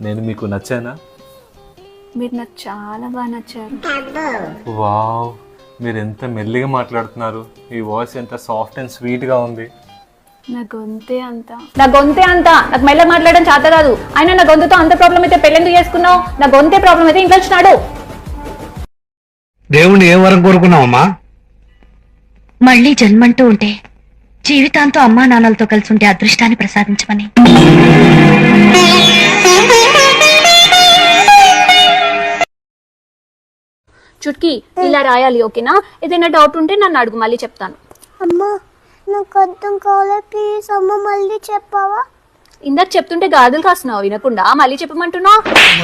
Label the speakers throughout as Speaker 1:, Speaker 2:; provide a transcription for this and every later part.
Speaker 1: నేను మీకు నచ్చానా?
Speaker 2: మీరు నాకు చాలా బాగా నచ్చారు.
Speaker 1: వావ్, మీరు ఎంత మెల్లిగా మాట్లాడుతున్నారు. ఈ వాయిస్ ఎంత సాఫ్ట్ అండ్ స్వీట్గా ఉంది.
Speaker 2: నా గొంతే అంత నాకు మెల్లగా మాట్లాడడం చేత కాదు. అయినా నా గొంతుతో అంత ప్రాబ్లం అయితే పెళ్ళెందుకు చేసుకున్నావు? నా గొంతే ప్రాబ్లం అయితే ఇంట్లో వచ్చినాడు.
Speaker 3: దేవుణ్ణి ఏం వరం కోరుకున్నావమ్మా?
Speaker 4: మళ్ళీ జన్మంటూ ఉంటే జీవితాంతో అమ్మా నాన్నలతో కలిసి ఉంటే అదృష్టాన్ని ప్రసాదించమని.
Speaker 2: చుట్కీ ఇలా రాయాలి, ఓకేనా? ఏదైనా డౌట్ ఉంటే నన్ను అడుగు, మళ్ళీ చెప్తాను.
Speaker 5: అమ్మా నాకు అర్థం కాలే, ప్లీజ్ అమ్మ మళ్ళీ చెప్పావా?
Speaker 2: ఇందాక చెప్తుంటే గాదులు కాస్తున్నావు వినకుండా మళ్ళీ చెప్పమంటున్నావు.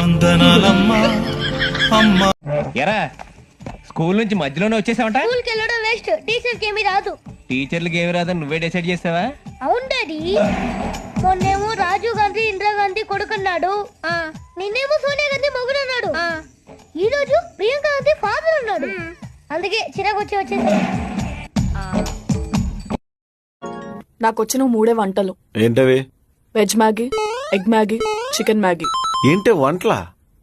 Speaker 6: ఎరా స్కూల్ నుంచి మధ్యలోనే వచ్చేసావంట?
Speaker 5: స్కూల్కి వెళ్ళడం వేస్ట్, టీచర్కి ఏమీ రాదు.
Speaker 6: టీచర్లకి ఏమి రాదని నువ్వే డిసైడ్ చేసావా?
Speaker 5: అవును డాడీ, మొన్నేమో రాజీవ్ గాంధీ ఇందిరాగాంధీ కొడుకున్నాడు, నిన్నేమో సోనియా గాంధీ మొగుడున్నాడు, ఈ రోజు ప్రియాంక గాంధీ ఫాదర్ ఉన్నాడు. అందుకే చిరాకు వచ్చేసి
Speaker 7: నాకు వచ్చిన 3 వంటలు.
Speaker 8: ఏంటవి?
Speaker 7: Veg Maggi, egg Maggi, chicken Maggi.
Speaker 8: ఏంటి వంటలా?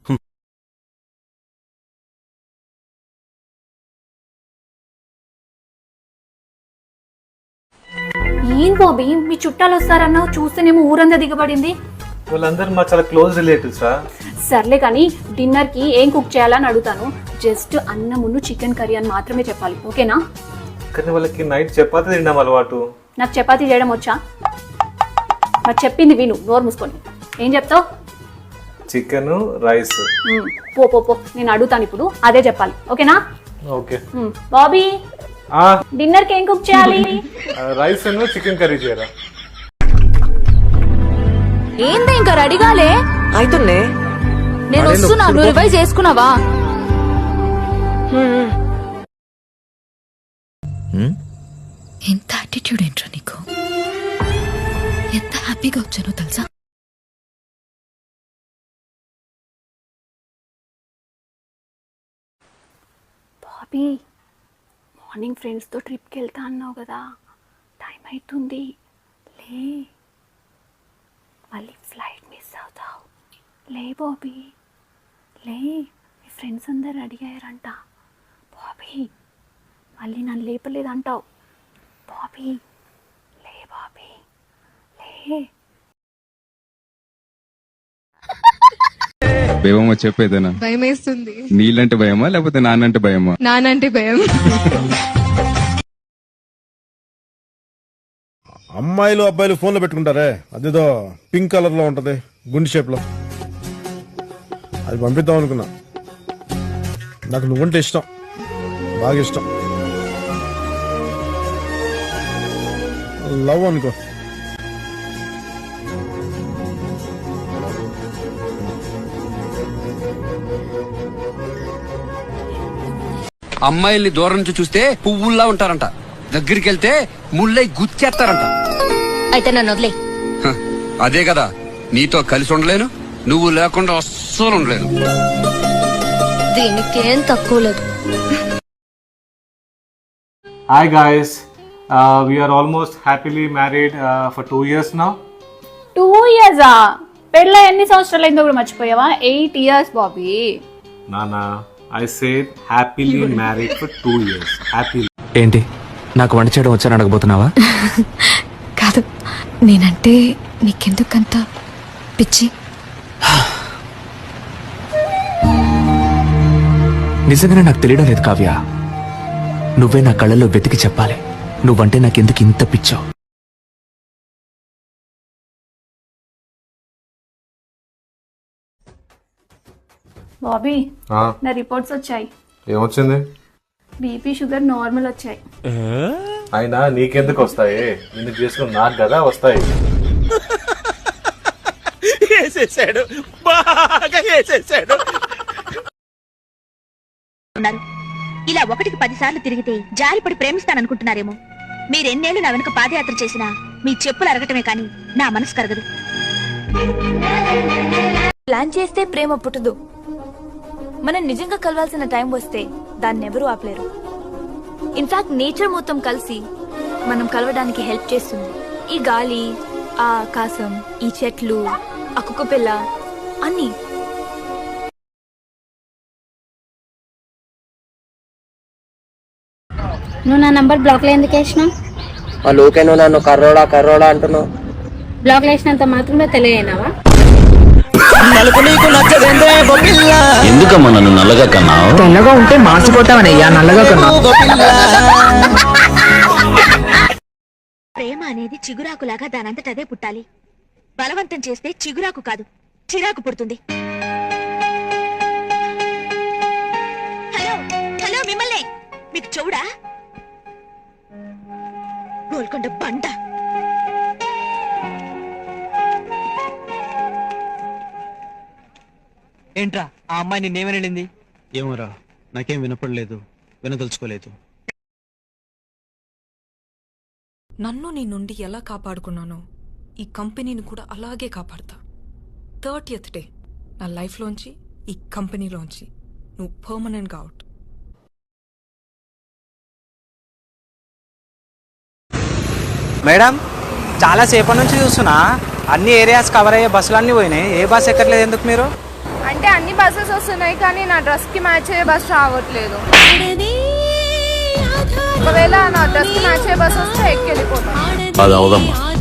Speaker 2: ఏం బాబీ, మీ చుట్టాలు వస్తారన్నావు, చూస్తేనేమో ఊరంతా దిగబడింది.
Speaker 1: వాళ్ళందరూ మా చాలా క్లోజ్ రిలేటివ్స్ రా.
Speaker 2: సర్లే కానీ డిన్నర్ కి ఏం కుక్ చేయాలని అడుగుతాను. జస్ట్ అన్నమును చికెన్ కర్రీ అని మాత్రమే చెప్పాలి, ఓకేనా?
Speaker 1: కానీ వాళ్ళకి నైట్ చపాతీ తినడం అలవాటు.
Speaker 2: నాకు చపాతీ చేయడం వచ్చా? మరి చెప్పింది విను, నోరు మూసుకొని. ఏం చెప్తావు?
Speaker 1: Chicken rice.
Speaker 2: పో పో పో, నేను అడుగుతాను ఇప్పుడు, అదే చెప్పాలి, ఓకేనా?
Speaker 1: ఓకే.
Speaker 2: బాబీ, డిన్నర్ కి ఏం కుక్ చేయాలి?
Speaker 1: రైస్ అండ్ చికెన్ కర్రీ చేయరా?
Speaker 9: ఏంది ఇంకా రెడీగాలే?
Speaker 7: అయితేనే
Speaker 9: నేను వస్తున్నా, నువ్వు రివైజ్ చేసుకున్నావా?
Speaker 4: ఎంత యాటిట్యూడ్ ఏంట్రా నీకు? ఎంత హ్యాపీగా వచ్చానో తెలుసా?
Speaker 2: బాబీ, మార్నింగ్ ఫ్రెండ్స్తో ట్రిప్కి వెళ్తా అన్నావు కదా, టైం అవుతుంది, లే. మళ్ళీ ఫ్లైట్ మిస్ అవుతావు. లే బాబీ, లే. మీ ఫ్రెండ్స్ అందరు రెడీ అయ్యారంట. బాబీ, మళ్ళీ నన్ను లేపలేదంటావు. బాబీ, లే బాబీ, లే.
Speaker 10: భయమా చెప్పేదేనా?
Speaker 9: భయం వేస్తుంది.
Speaker 10: నీళ్ళంటే భయమా లేకపోతే నాన్నంటే భయమా?
Speaker 9: నానంటే భయం.
Speaker 8: అమ్మాయిలు అబ్బాయిలు ఫోన్ లో పెట్టుకుంటారే, అదేదో పింక్ కలర్ లో ఉంటది, గుండె షేప్ లో, అది పంపిద్దాం అనుకున్నా. నాకు నువ్వంటే ఇష్టం, బాగా ఇష్టం. లవ్ అనుకో.
Speaker 11: అమ్మాయిల్ని దూరం నుంచి చూస్తే పువ్వుల్లా ఉంటారంట, దగ్గరికి వెళ్తే ముళ్ళై గుచ్చేస్తారంట.
Speaker 4: అయితే నన్ను వదిలే.
Speaker 11: అదే కదా, నీతో కలిసి ఉండలేను, నువ్వు లేకుండా అస్సలు ఉండలేను.
Speaker 4: దీనికేం తక్కువ లేదు.
Speaker 1: Hi guys, we are almost happily married for 2 years now.
Speaker 2: 2 years? పెళ్ళ ఎన్ని సంవత్సరాలు అయిందో కూడా మర్చిపోయావా? 8 years Bobby.
Speaker 1: Nana, I said happily married for 2 years. Happily.
Speaker 6: ఏంటి, నాకు వంట చేయడం వచ్చాను అడగబోతున్నావా?
Speaker 4: కాదు, నేనంటే నీకెందుకంత పిచ్చి?
Speaker 6: నిజంగానే నాకు తెలియడం లేదు కావ్య. నువ్వే నా కళ్ళల్లో వెతికి చెప్పాలి, నువ్వంటే నాకెందుకు ఇంత పిచ్చావు.
Speaker 2: బాబీ, నా రిపోర్ట్స్ వచ్చాయి.
Speaker 1: ఏమొచ్చింది?
Speaker 2: బీపీ షుగర్ నార్మల్ వచ్చాయి.
Speaker 1: అయినా నీకెందుకు వస్తాయి? నిన్ను చేసుకుని నాకు కదా వస్తాయి.
Speaker 4: ఇలా 1కి 10 సార్లు తిరిగితే జారిపడి ప్రేమిస్తాననుకుంటున్నారేమో. మీరెన్నేళ్లు నా వెనుక పాదయాత్ర చేసినా మీ చెప్పులు అరగటమే కానీ నా మనసు కరగదు.
Speaker 9: ప్లాన్ చేస్తే ప్రేమ పుట్టదు. మనం నిజంగా కలవాల్సిన టైం వస్తే దాన్ని ఎవరూ ఆపలేరు. ఇన్ఫాక్ట్ నేచర్ మొత్తం కలిసి మనం కలవడానికి హెల్ప్ చేస్తుంది. ఈ గాలి, ఆ ఆకాశం, ఈ చెట్లు, ఆ కుక్క పిల్ల, అన్ని.
Speaker 5: నువ్వు నా నంబర్ బ్లాక్ లో ఎందుకు వేసినావు?
Speaker 3: ఊకే నువ్వు నన్ను కర్రోడా అంటున్నావు.
Speaker 5: బ్లాక్ లో వేసినంత మాత్రమే తెలియనావా?
Speaker 6: ఎందుకమ్మా నన్ను నల్లగా కన్నావు?
Speaker 3: తెల్లగా ఉంటే మార్చిపోతావనయ్యా, నల్లగా కన్నావు.
Speaker 4: ప్రేమ అనేది చిగురాకులాగా దానంతట అదే పుట్టాలి. బలవంతం చేస్తే చిగురాకు కాదు, చిరాకు పుడుతుంది. హలో హలో, మిమ్మల్ని. మీకు చెవుడా? గోల్కొండ బండ.
Speaker 3: ఏంట్రా ఆ అమ్మాయి నిన్నేమని వెళ్ళింది?
Speaker 6: ఏమోరా, నాకేం వినపడలేదు, వినదలుచుకోలేదు.
Speaker 9: నన్ను నీ నుండి ఎలా కాపాడుకున్నానో ఈ కంపెనీని కూడా అలాగే కాపాడతా. 30th డే నా లైఫ్లోంచి, ఈ కంపెనీలోంచి నువ్వు పర్మనెంట్గా అవుట్.
Speaker 3: మేడం, చాలా సేపటి నుంచి చూస్తున్నా అన్ని ఏరియాస్ కవర్ అయ్యే బస్సులు అన్ని పోయినాయి. ఏ బస్ ఎక్కట్లేదు ఎందుకు మీరు?
Speaker 2: అంటే అన్ని బస్సెస్ వస్తున్నాయి కానీ నా డ్రెస్ కి మ్యాచ్ అయ్యే బస్ రావట్లేదు. ఒకవేళ నా డ్రెస్ కి మ్యాచ్ అయ్యే బస్ వస్తే ఎక్కి వెళ్ళిపోతాను.
Speaker 6: అది అవదమ్మా.